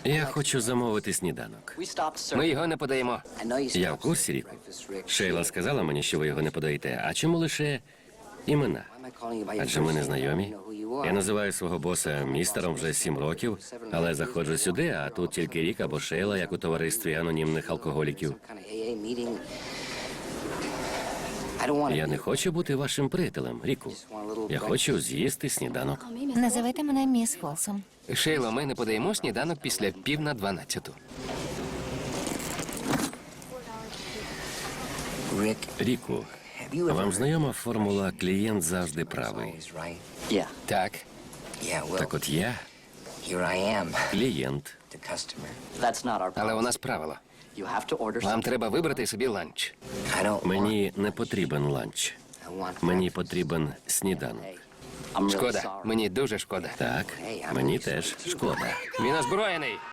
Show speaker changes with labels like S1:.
S1: Я хочу замовити сніданок.
S2: Ми його не подаємо.
S1: Я в курсі, Ріку. Шейла сказала мені, що ви його не подаєте. А чому лише імена? Адже ми не знайомі. Я називаю свого боса містером вже 7 років, але заходжу сюди, а тут тільки Рік або Шейла, як у товаристві анонімних алкоголіків. Я не хочу бути вашим приятелем, Ріку. Я хочу з'їсти сніданок.
S3: Називайте мене міс Фолсом.
S2: Шейло, ми не подаємо сніданок після 11:50.
S1: Ріку, вам знайома формула «клієнт завжди правий»?
S2: Так.
S1: Так от я клієнт.
S2: Але у нас правило. Вам треба вибрати собі ланч.
S1: Мені не потрібен ланч. Мені потрібен сніданок.
S2: Шкода. Мені дуже шкода.
S1: Так, мені теж шкода.
S2: Він озброєний.